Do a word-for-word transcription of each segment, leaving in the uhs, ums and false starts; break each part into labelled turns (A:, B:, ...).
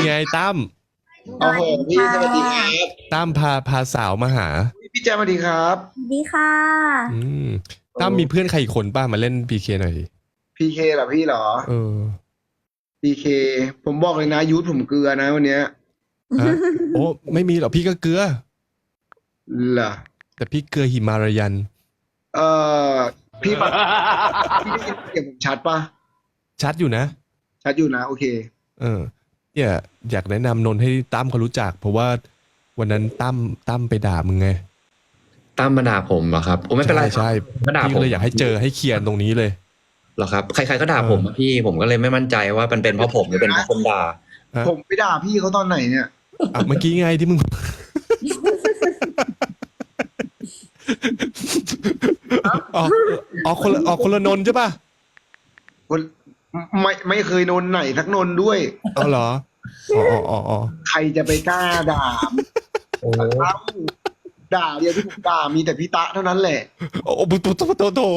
A: ไงตั้ม
B: โอ้โหพี่สวัสดีครับ
A: ตั้มพาพาสาวมาหา
B: พี่แจ๊คสวัสดีครับ
C: สวัสดีค่ะ
A: อืมตั้มมีเพื่อนใครอีกคนป้ามาเล่นพีเคหน่อยดิ
B: พีเคเหรอพี่เหรอ
A: เออ
B: พีเคผมบอกเลยนะยูทผมเกลือนะวันเนี้ย
A: ฮะโอ้ไม่มีหรอกพี่ก็เกลือ
B: เหรอ
A: แต่พี่เกลือหิมารายัน
B: เออพี่ฟังพี่ได้ยินเสียงผมชัดปะ
A: ชัดอยู่นะ
B: ชัดอยู่นะโอเค
A: เออเนี่ยอยากแนะนำนนท์ให้ตั้มเขารู้จักเพราะว่าวันนั้นตั้มตั้มไปด่ามึงไง
D: ตั้มมาด่าผมเหรอครับโอ้ไม่เป็นไร
A: ใช่
D: มาด่า
A: พี่
D: ผม
A: ก็เลยอยากให้เจอให้เคลียร์ตรงนี้เลย
D: เหรอครับใครๆก็ด่าผมอะพี่ผมก็เลยไม่มั่นใจว่ามันเป็นเพราะผมหรือเป็นเพราะคนด่า
B: ผมไปด่าพี่เขาตอนไหนเนี่ย
A: อ่ะเมื่อกี้ไงที่มึงออกออกคนละออกคนละนนท์ใช่ป่ะ
B: คนไม่ไม่เคยนนไหนทักนนด้วย
A: อ๋อเหรออ๋ออ๋ออ๋อ
B: ใครจะไปกล้าด่า
D: โอ้
B: ด่าเดียวที่ผมด่ามีแต่พี่ตะเท่านั้นแหละ
A: โอ้โหโตโตโตโต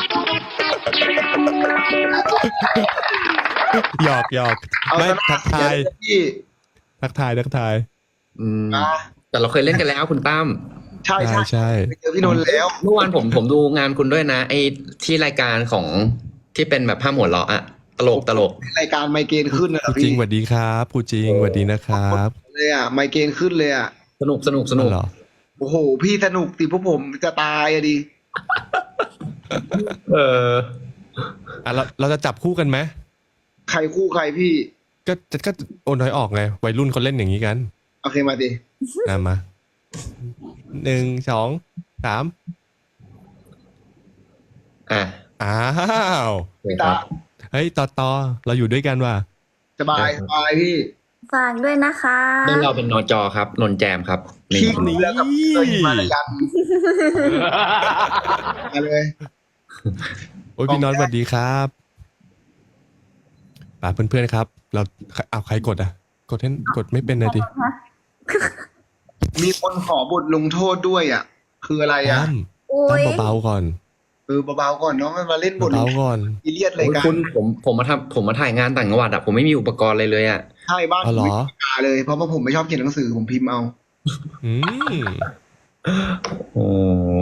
A: หยอกหยอกไม่ทักทายทักทายทักทาย
D: อืมแต่เราเคยเล่นกันแล้วคุณตั้ม
B: ใช่ใช่ใช่ไปเจอพี่นนท์แล้ว
D: เมื่อวานผมผมดูงานคุณด้วยนะไอ้ที่รายการของที่เป็นแบบภาพหัวเราะอะตลกตลก
B: รายการไมเกรนขึ้นนะ
A: พี่จริงสวัสดีครับผู้จริงสวัสดีนะครับ
B: เลยอ่ะไมเกรนขึ้นเลยอ่ะ
D: สนุกสนุกสนุก
A: เหรอ
B: โอ้โหพี่สนุกติพวกผมจะตายอะดิ
D: เออ
A: อ่ะเราเราจะจับคู่กันไหม
B: ใครคู่ใครพี่
A: ก็ก็โอนน้อยออกไงวัยรุ่นเขาเล่นอย่างนี้กัน
B: โอเคมาดิ
A: นะมาหนึ่งสองสาม
D: อ่ะ
A: อ้าวเฮ้ยต่อต่อเราอยู่ด้วยกันว่ะ
B: สบายสบายพี่
C: ฝากด้วยนะคะ
D: เรื่องเราเป็นนจครับนนแจมครับ
B: นี่นี้มายันมาเลย
A: โอ้ยพี่น้องสวัสดีครับป่าเพื่อนๆครับเราเอาใครกดอ่ะกดให้กดไม่เป็นเลยดิ
B: มีคนขอบทลงโทษด้วยอ่ะคืออะไรอ่ะ
A: ตั้มเบาๆก่อน
B: เออเบาๆก่อนน้องมาเล่นบท
A: เบาๆก่อน
B: อีเลียดเลยกัน
D: คุณผมผมมาทำผมมาถ่ายงานต่างจังหวัดอ่ะผมไม่มีอุปกรณ์เลยเลยอ่ะ
B: ใช่บ้าน
A: ผมไม่
B: มีเลยเพราะว่าผมไม่ชอบเขียนหนังสือผมพิมพ์เอา
A: อืม
D: โอ้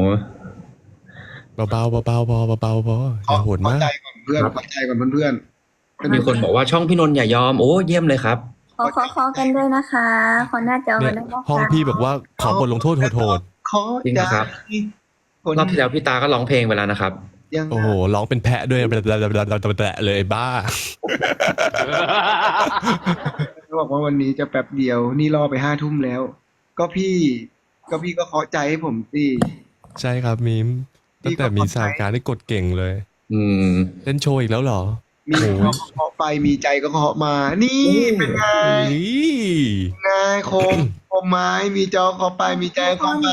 A: เบาๆเบาๆพอเบาๆพออย่าโหดมาก
B: ใจก่อนเพื่อนใจก่อนเพื่อน
D: ๆมีคนบอกว่าช่องพี่นนท์อย่ายอมโอ้เยี่ยมเลยครับ
C: ขอขอขอกันด้วยนะคะขอหน้าจอกันด้วยนะคะ
A: ห้องพี่บอกว่าขอบทลงโทษโหด
D: ๆจริงครับรอบที่แล้วพี่ตาก็ร้องเพลงไปแล้วนะครับ
A: โอ้โหร้องเป็นแพะด้วยเลยบ้า
B: เขาบอกว่าวันนี้จะแป๊บเดียวนี่รอไปห้าทุ่มแล้วก็พี่ก็พี่ก็เคาะใจให้ผมสิ
A: ใช่ครับมีมตั้งแต่มีสาวการได้กดเก่งเลย
D: อืม
A: เล่นโชว์อีกแล้วเหรอ
B: มีเคาะไปมีใจก็เคาะมานี่เป็นไงไงโคมโคมไม้มีจอเคาะไปมีใจเคาะไป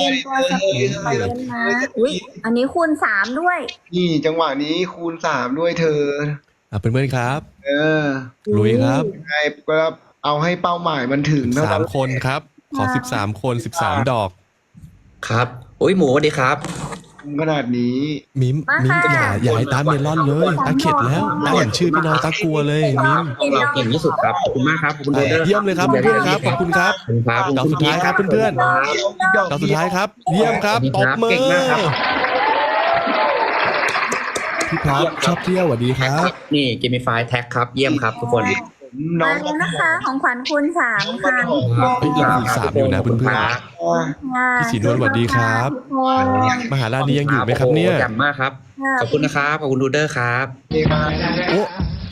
C: อุ้ยอันนี้คูณสามด้วย
B: นี่จังหวะนี้คูณสามด้วยเธอ
A: อ่ะเพื่อนๆครับ
B: เออ
A: ลุยครับ
B: ไงก็เอาให้เป้าหมายมันถึง
A: สามคนครับขอสิบสามคนสิบสามดอก
D: ครับโอ้ยหมูสวัสดีครับ
B: ขนาดนี้
A: มิมมิมอย่าอย่าให้ตาเมลอนเลยตาเข็ดแล้วตาเห็นชื่อพี่น้องตากลัวเลยมิม
D: เราเก่งที่สุดครับขอบคุณมากครับขอบคุณเดอร์
A: เยี่ยมเลยครับเพื่อนๆครับขอบคุณครับดอกสุดท้ายครับเพื่อนๆดอกสุดท้ายครับเยี่ยมครับตบมือพี่พับชอบเที่ยวสวัสดีครับ
D: นี่เกมไฟแท็กครับเยี่ยมครับทุกคน
C: น้องนะคะของขวัญคูณสามค่ะ
A: พี่ยังคูณสามอยู่นะเพื่อนๆพี่สีนวลสวัสดีครับมหารานี้ยังอยู่ไหมครับเนี่ย
D: จำมากครับขอบคุณนะครับขอบคุณดูเดอร์ครับ
A: โอ้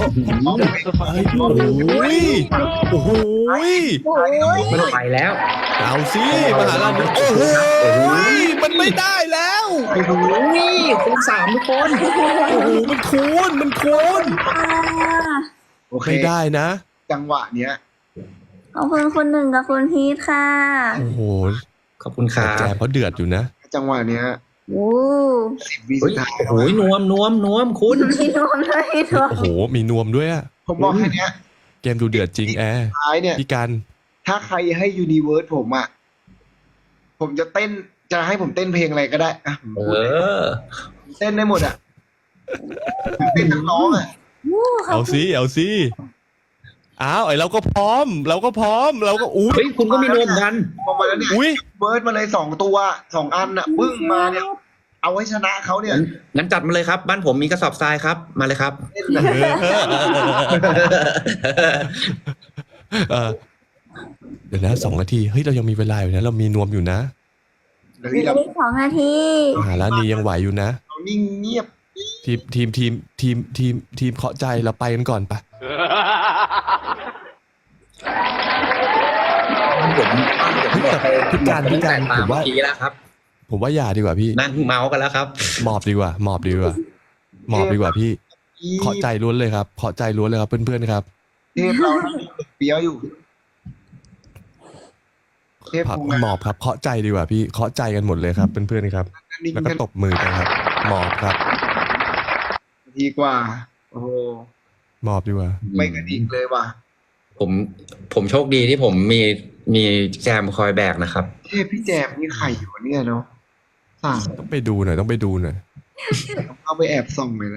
A: โอ้ยโอ้โห
D: มันไปแล้ว
A: เอาสิมหารานี้โอ้โหมันไม่ได้แล้ว
D: โอ้โหคูณสามทุกคน
A: โอ้โหมันคูณมันคูณไม่ได้นะ
B: จังหวะเนี้ย
C: ขอบคุณคนหนึ่งกับคุณพีทค่ะ
A: โอ้โห
D: ขอบคุณครับ
A: แจมเขาเดือดอยู่นะ
B: จังหวะเนี้ย
C: โอ้
B: สิบวิสุดท้าย
D: โอ้ยนวมนวมนวมคุณ
C: มีนวมด้วย
A: โอ้โหมีนวมด้วยอ่ะ
B: ผมบอกแค่นี้
A: เกมดูเดือดจริงแอร์
B: ท้ายเนี่ย
A: พี่กัน
B: ถ้าใครให้ยูนิเวิร์สผมอ่ะผมจะเต้นจะให้ผมเต้นเพลงอะไรก็ได้อ่ะ
D: เออ
B: เต้นได้หมดอ่ะเต้นทั้งน้องอ่ะ
A: เอาสิเอาสิอ้าวไอเราก็พร้อม เราก็พร้อม เราก็อุ้ย
D: เฮ้ยคุณก็มีนวมกัน
B: พอมาแล้วเนี่ย
A: อุ้ย
B: เบิร์ดมาเลยสองตัวสองอันอ่ะปึ้งมาเนี่ยเอาไว้ชนะเขาเนี่ย
D: งั้นจัดมาเลยครับ บ้านผมมีกระสอบทรายครับ มาเลยครับ
B: เล่นนะ
A: เออเดี๋ยวนะสองนาทีเฮ้ยเรายังมีเวลาอยู่นะ เรามีนวมอยู่นะ
B: เดี๋ยว
C: อี
B: นี้
C: ก
B: เรา
C: สองนาที
A: มหารานียังไหวอยู่นะ
B: เรานิ่งเงียบ
A: ทีมทีมทีมทีมทีมทีมเคาะใจเราไปกันก่อนปะ
D: ผมผมหมดไป
A: พิการพิการ
D: ตา
A: ผม ม
D: เมื่อ
A: ว่า
D: กี้แล้วครับ
A: ผมว่าอย่าดีกว่าพี่
D: นั่งเมาส์กันแล้วครับ
A: หมอบดีกว่าหมอบดีกว่าหมอบดีกว่าพี่เคาะใจล้วนเลยครับเคาะใจล้วนเลยครับเพื่อนๆครับ
B: เทพเราเปียวอยู่เทพ
A: พัก
B: ภู
A: หมอบครับเคาะใจดีกว่าพี่เคาะใจกันหมดเลยครับเพื่อนๆครับ
B: นิ่ง
A: แล้วก็
B: กัน
A: ตบมือกันครับหมอบครับ
B: ทีกว่า โอ้โห
A: หมอบดีกว่า
B: ไม่กระดิกเลยว่ะ
D: ผมผมโชคดีที่ผมมีมีแจมคอยแบกนะครับ
B: เทพพี่แจมนี่ใครอยู่วะเนี่ยเนาะสาม
A: ต้องไปดูหน่อยต้องไปดูหน่อย
B: ต้องเข้าไปแอบส่องเลยนะ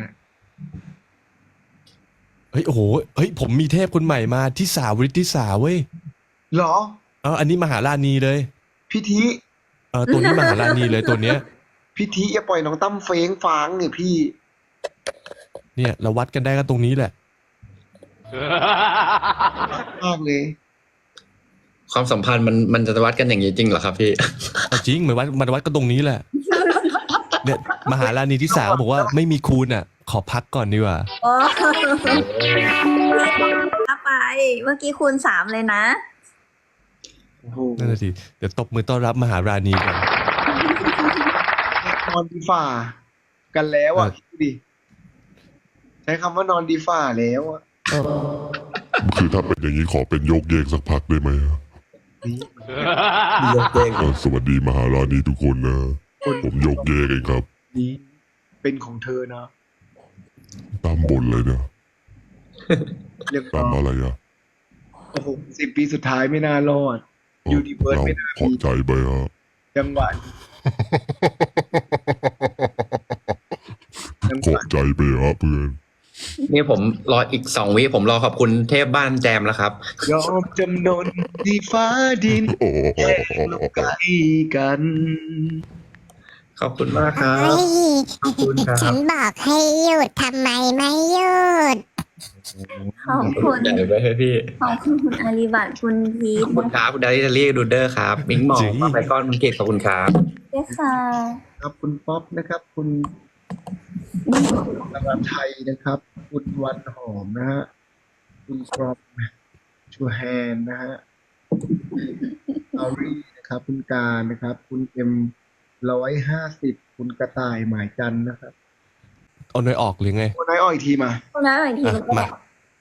A: เฮ้ยโอ้โหเฮ้ยผมมีเทพคนใหม่มาที่สาวริทิสาเว้ย
B: เหรอ
A: เอออันนี้มหารานีเลย
B: พิธี
A: เออตัวนี้มหารานีเลยตัวเนี้ย
B: พิธีอย่าปล่อยน้องตั้มเฟ้งฟางเนี่ยพี่
A: เนี่ยเราวัดกันได้ก็ตรงนี้แหละ
B: มากเลย
D: ความสัมพันธ์มันมันจะวัดกันอย่างนี้จริงเหรอครับพี่
A: เอาจริงเหมือนวัดมันวัดกันตรงนี้แหละ เนี่ยมหารานีที่สามบอกว่าไม่มีคูณอ่ะ ขอพักก่อนดีกว่า
C: โอ้เอาไป เมื่อกี้คูณสามเลยนะ
B: โอ้โห
A: นั่นแหละสิเดี๋ยวตบมือต้อนรับมหารานีก่อน
B: นอนดีฝ่า กันแล้วอ่ะ
A: เออ
B: คิดดูดิใช้คำว่านอนดีฝ่าแล้วอ่ะ
E: คือถ้าเป็นอย่างนี้ขอเป็นโยกเยกสักพักได้ไหมอะ
B: นี่
E: เอ่อสวัสดีมหารานีทุกคนนะ ผมโยกเยกเองครับ
B: นี่เป็นของเธอนะ
E: ตามบนเลยเนี่ย
B: เรียบร้
E: ตาม
B: อ
E: อะ
B: ย
E: ไรอะ
B: โอ้โหสิบปีสุดท้ายไม่น่ารอด
E: เอ่อ
B: ยูนิเวิร์ส
E: เรา
B: ไม่น่า
E: ขอ
B: มี
E: ใจไปฮะ
B: จังหวะจัง
E: ข
B: ห
E: อ
B: วะ
E: ใจไปฮะเพื่อน
D: นี่ผมรออีกสองวิผมรอขอบคุณเทพบ้านแจมแล้วครับ
B: ยอมจำนนที่ฟ้าดิน
E: โอ้โห
B: แค่ลงใกล้กัน
D: ขอบคุณมากครั
F: เฮ้
D: บ
F: ย
D: ขอบคุณครับ
F: ฉันบอกให้หยุดทำไมไม่หยุด
C: ขอบคุณ
D: ใหญ่ไปให้พี่
C: ขอบคุณคุณอาริบัตคุณพี
D: ข
C: ท
D: อบคุณครับคุณดาริทารี่ดูเดอร์ครับ มิงหมอ
A: จริง
D: ป้าไปก้อนคุณเกตขอบคุณครับ
C: ด้วยค่ะ
B: ครับคุณป๊อปนะครับ คุณนราไทยนะครับ คุณวันหอมนะฮะคุณกรอบชูแฮนนะฮะอารีนะครับ คุณการนะครับ คุณเอ็มร้อยห้าสิบคุณกระต่ายหมายจันทร์นะครับ
A: เอาหน่อยออกหรือไง
B: โอ้นายอ้อยอีกทีมา
C: คุณน้าอีกที
A: อ่ะ
C: นึงก็
A: มา
C: ได้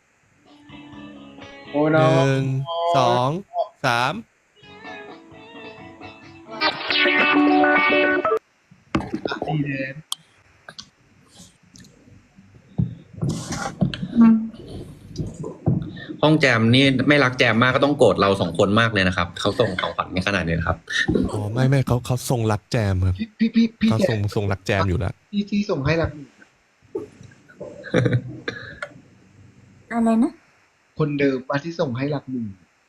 B: โอ้
A: ห
B: นาย
A: นึ่งสองสาม
B: ดีแดน
D: ห้องแจมนี่ไม่รักแจมมากก็ต้องโกรธเราสองคนมากเลยนะครับเขาส่งของขวัญในขนาดนี้นะครับ
A: อ๋อไม่ไม่เขาเขาทรงรักแจมครับ
B: พี่พี่พี่พี่
A: เขา
B: แก
A: ทรงทรงรักแจมอยู่แล้ว
B: ที่ที่ส่งให้รักหนึ่ง
C: อะไรนะ
B: คนเดิมว่าที่ส่งให้รักหนึ่ง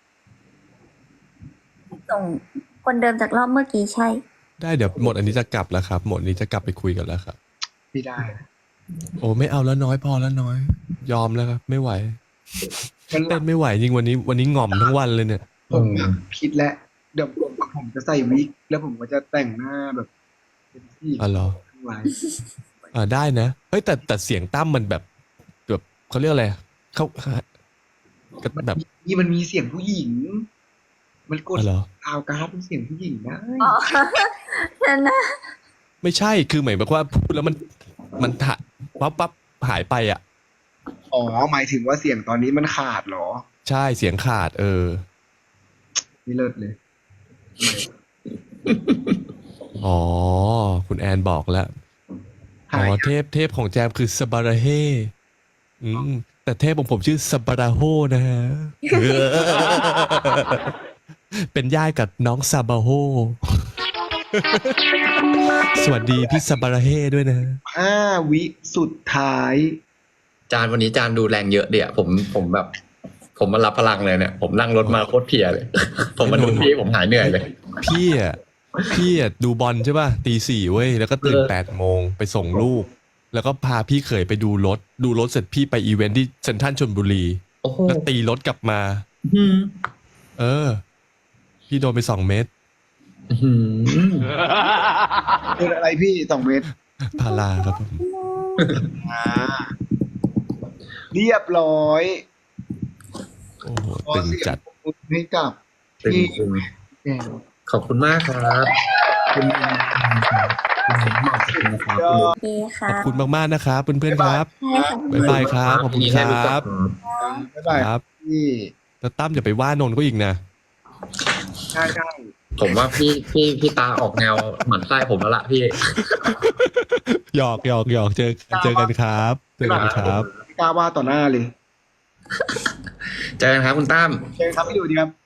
C: ส่งคนเดิมจากรอบเมื่อกี้ใช่
A: ได้เดี๋ยวหมดอันนี้จะกลับแล้วครับ หมดอันนี้จะกลับไปคุยกันแล้วครับ
B: ไม่ได้นะ
A: โอ้ไม่เอาแล้วน้อยพอแล้วน้อย ยอมแล้วครับ ไม่ไหว
B: มันหลั
A: เต้
B: บ
A: นไม่ไหวจริงวันนี้วันนี้ง่อมทั้งวันเลยเนี่ย
B: ผมคิดแล้วเดี๋ยวผมผมจะใส่วิกแล้วผมก็จะแต่งหน้าแบบเป็นที่
A: อ๋อเหรอ
B: ทั้งหลาย
A: อ่าได้นะเฮ้ยแต่แต่เสียงตั้มมันแบบแบบเขาเรียกอะไรเขาก็แบบ
B: นี่มันมีเสียงผู้หญิง มันกด
A: อ๋อเหรอ
B: ซาวการ์ดเป็นเสียงผู้หญิงได้
C: อ๋อฉันนะ
A: ไม่ใช่คือหมายแบบว่าพูดแล้วมันมันถะปั๊บปั๊บหายไปอ่ะ
B: อ๋อหมายถึงว่าเสียงตอนนี้มันขาดเหรอ
A: ใช่เสียงขาด เออ
B: นี่เลิศเลย
A: อ๋อ คุณแอนบอกแล้วอ๋
B: หาย
A: อเทพเทพของแจมคือสบาราเฮอืมแต่เทพของผมชื่อสบาราโฮนะฮะ เป็นญาติกับน้องซาบาโฮ สวัสดีพี่ซาบาราเฮด้วยนะ
B: ห้าวิสุดท้าย
D: จานวันนี้จานดูแรงเยอะเดี๋ยวผมผมแบบผมมารับพลังเลยเนี่ย ผมนั่งรถมาโคตรเพลียเลย ผมมาดูพี่ผมหายเหนื่อยเลย
A: พี่อ่ะพี่อ่ะดูบอลใช่ป่ะตีสี่เว้ยแล้วก็ตื่น
D: เออ
A: แปดโมงไปส่งลูก แล้วก็พาพี่เขยไปดูรถ ดูรถเสร็จพี่ไปอีเวนท์ที่เซ็นทรัลชลบุรี
D: โอ้โห
A: แล้วตีรถกลับมา
D: อืม
A: เออ พี่โดนไปสองเม็ด
D: อืม
B: เป็นอะไรพี่สองเมตร
A: พาราครับผม
B: อ่าเรียบร้อย
A: โอ้โหตึงจัด
B: ขอเสียงปรบมือให้กับ
D: ตึง
B: พี่
D: ตึง
B: แอน
D: ขอบคุณมากครับคุณคุณหมอขอบคุณนะครับ
B: ยอ
C: โอ
B: ด
C: เคค่ะ
A: ขอบคุณมากๆนะครับเพื่อนๆครับ
C: ใช่ค่ะ
A: บ๊ายบายครับ ขอบคุณค
D: ยินดีให้
A: รับ
B: บ๊ายบาย
A: ครับ
B: พี่
A: แล้วตั้มอย่าไปว่านนท์ก็อีกนะ
B: ใช่ใช่
D: ผมว่าพี่พี่พี่ตาออกแนวหมั่นไส้ผมแล้วล่ะพี่
A: หยอกหยอกหยอกเจอเจอกันครับเจอกันครับ
B: ไม่กล้าว่าต่อหน้าเลย
D: เจอกันครับคุณตั้ม
B: เชิญครับพี่ดูดีครับ